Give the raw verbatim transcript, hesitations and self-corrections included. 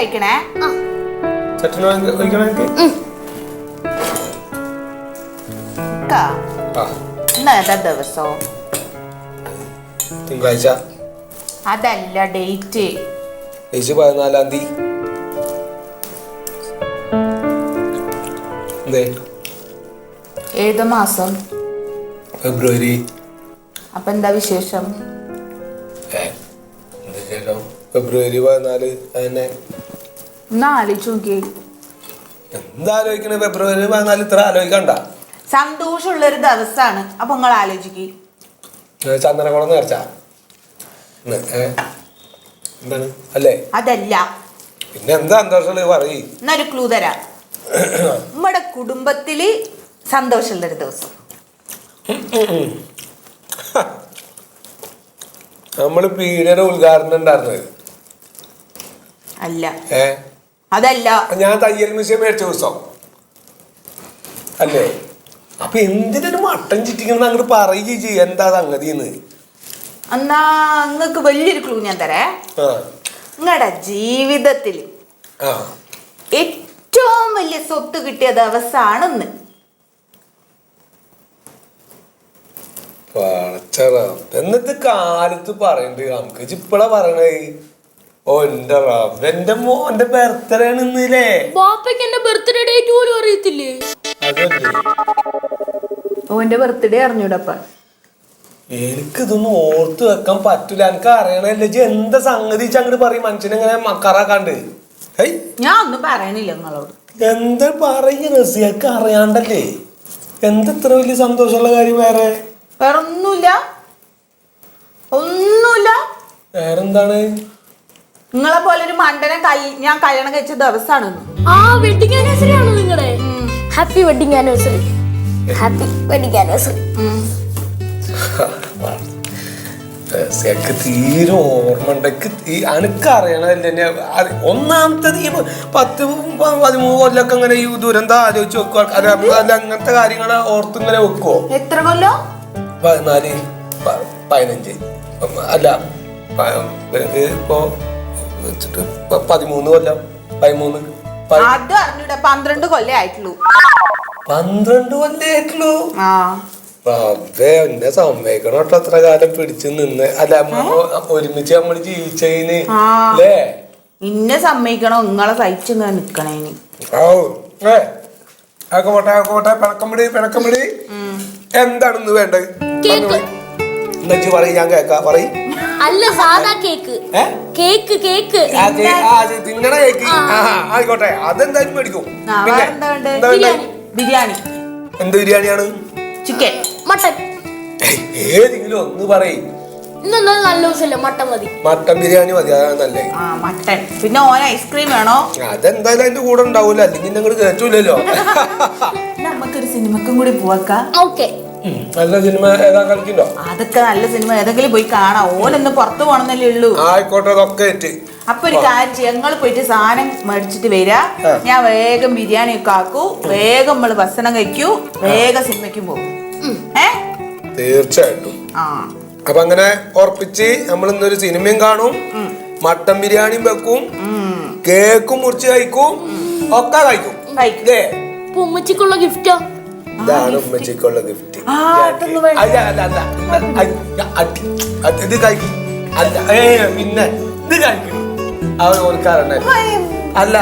കഴിക്കണേ. ഇന്നേതാ ദിവസം? തിങ്കളാഴ്ച. അതല്ല ഡേറ്റ്. പതിനാലാം തീയതി. ഏത് മാസം? ഫെബ്രുവരി. അപ്പൊ എന്താ വിശേഷം? ഫെബ്രുവരി പതിനാല്. അതന്നെ. ഒന്ന് ആലോചിച്ച് നോക്കിയേ. എന്താ ആലോചിക്കണേ? ഫെബ്രുവരി പതിനാല് ഇത്ര ആലോചിക്കണ്ട. സന്തോഷമുള്ളൊരു ദിവസമാണ്. അപ്പൊ നിങ്ങൾ ആലോചിക്ക്. ചന്ദനക്കുളം നേർച്ച എന്താണ് അല്ലേ? അതല്ല. പിന്നെ എന്താ സന്തോഷമുള്ളത് പറയ്. എന്നൊരു ക്ലൂ തരാം. നമ്മുടെ കുടുംബത്തില് സന്തോഷമുള്ളൊരു ദിവസം. നമ്മള് പീഡിയുടെ ഉദ്ഘാടനം ഉണ്ടായിരുന്നത് അല്ല. ഏ അതല്ല. ഞാൻ തയ്യൽ മിഷൻ മേടിച്ച ദിവസം അല്ലേ? അപ്പൊ എന്തിനൊരു മട്ടൻ ചിറ്റിക്കണം അങ്ങോട്ട് പറയുകയും ചെയ്യ എന്താ സംഗതിന്ന്. എന്നാ നിങ്ങക്ക് വലിയൊരു ക്ലൂ ഞാൻ തരേ. നിങ്ങളുടെ ജീവിതത്തിൽ ഏറ്റവും വലിയ സ്വത്ത് കിട്ടിയ ദിവസമാണ് ഇന്ന്. എന്നിട്ട് കാലത്ത് പറയണ്ട് നമുക്ക് ഇപ്പളാ പറയണേ. ഓ എന്റെ റബ്ബ്, എന്റെ മോന്റെ ബർത്ത്ഡേ ആണ് ഇന്നില്ലേ? ബാപ്പയ്ക്ക് എന്റെ ബർത്ത്ഡേ ഡേറ്റ് പോലും അറിയത്തില്ലേ? ഓന്റെ ബർത്ത്ഡേ അറിഞ്ഞൂടപ്പ. എനിക്കിതൊന്നും ഓർത്ത് വെക്കാൻ പറ്റൂല. എനിക്ക് അറിയണല്ലേ എന്താ സംഗതി അങ്ങോട്ട് പറയും. മനുഷ്യനെങ്ങനെ മക്കാറാക്കാണ്ട്. ഞാൻ ഒന്നും പറയണില്ല നിങ്ങളോട്. എന്താ പറയുക റസിയക്ക് അറിയാണ്ടല്ലേ? എന്താ ഇത്ര വലിയ സന്തോഷമുള്ള കാര്യം? വേറെ വേറെ ഒന്നുമില്ല. ഒന്നുമില്ല. വേറെന്താണ്? നിങ്ങളെ പോലെ ഒരു മണ്ടനെ ഞാൻ കല്യാണം കഴിച്ച ദിവസമാണ്. ആ വെഡിങ് ആനിവേഴ്സറി ആണോ നിങ്ങളുടെ? Happy wedding anniversary. Happy wedding anniversary. തീരെ ഓർമ്മ ഉണ്ടെക്ക്. എനിക്ക് അറിയണല്ലേ. ഒന്നാമത്തത് ഈ പത്ത് പതിമൂന്ന് കൊല്ലൊക്കെ ഇങ്ങനെ ഈ ദുരന്തം ആലോചിച്ച് വെക്കുക. അല്ല അങ്ങനത്തെ കാര്യങ്ങൾ ഓർത്ത് ഇങ്ങനെ വെക്കുവോ? എത്ര കൊല്ലം? പതിനാല് പതിനഞ്ച് അല്ല ഇപ്പോ വെച്ചിട്ട് പതിമൂന്ന് കൊല്ലം. പതിമൂന്ന് അത് അറിഞ്ഞൂടെ? പന്ത്രണ്ട് കൊല്ലം ആയിട്ടുള്ളൂ. പന്ത്രണ്ട് കൊല്ലം ആയിട്ടുള്ളൂ. അതെ എന്നെ സമ്മതിക്കണം കേട്ടോ. അത്ര കാലം പിടിച്ചു നിന്ന്. അല്ല ഒരുമിച്ച് നമ്മൾ ജീവിച്ചതിന് അല്ലേ? ഇന്നെ സമ്മതിക്കണോ? നിങ്ങളെ സഹിച്ചു നിക്കണേന്. ഓ ഏ ആക്കോട്ടെ ആക്കോട്ടെ. പിണക്കമ്പിടി പിണക്കമ്പിടി. എന്താണെന്ന് വേണ്ടത് എന്നു പറയും. ഞാൻ കേക്കാ പറയും. അല്ല സാധാ കേക്ക്. കേക്ക് കേക്ക് തിന്നണ കേക്ക്. ആയിക്കോട്ടെ അതെന്തായാലും മേടിക്കും. ബിരിയാണി. എന്ത് ബിരിയാണിയാണ്? ചിക്കൻ, മട്ടൻ, ഏതെങ്കിലും ഒന്ന് പറയും. നല്ല ദിവസമല്ലേ മട്ടൻ മതി. മട്ടൻ ബിരിയാണി മതി. അതാണ് നല്ലേ. മട്ടൻ. പിന്നെ ഓൻ ഐസ്ക്രീം വേണോ? അതെന്തായാലും അതിന്റെ കൂടെ ഉണ്ടാവൂല. അല്ലെങ്കിൽ ഞങ്ങൾ കേറ്റൂലല്ലോ. നമുക്കൊരു സിനിമക്കും കൂടി പോവാക്കാം. ഓക്കെ. നല്ല സിനിമ ഏതാ കളിക്കണ്ടോ? അതൊക്കെ നല്ല സിനിമ ഏതെങ്കിലും പോയി കാണാം. ഓനൊന്ന് പുറത്തു പോണെന്നല്ലേ ഉള്ളൂ. ആയിക്കോട്ടെ അതൊക്കെ ഏറ്റ്. അപ്പൊ ഒരു കാര്യം ചെയ്യും. ഞങ്ങൾ പോയിട്ട് സാധനം മേടിച്ചിട്ട് വരാ. ഞാൻ വേഗം ബിരിയാണി ഒക്കെ ആക്കൂ. വേഗം നമ്മള് ഭക്ഷണം കഴിക്കൂ. വേഗം സിനിമയ്ക്കും പോകും. ഏ തീർച്ചയായിട്ടും. ആ അപ്പൊ അങ്ങനെ ഉറപ്പിച്ച് നമ്മൾ ഇന്നൊരു സിനിമയും കാണും, മട്ടൻ ബിരിയാണിയും വെക്കും, കേക്കും മുറിച്ച് കഴിക്കും, ഒക്കെ കഴിക്കും. ഉമ്മച്ചിക്കുള്ള ഗിഫ്റ്റോ? ഇതാണ് ഉമ്മച്ചിക്കുള്ള ഗിഫ്റ്റ്. ഇത് കഴിക്കും. അല്ല ഏ പിന്നെ ഇത് കഴിക്കും. അവർ ഓർക്കാറുണ്ട്. അല്ല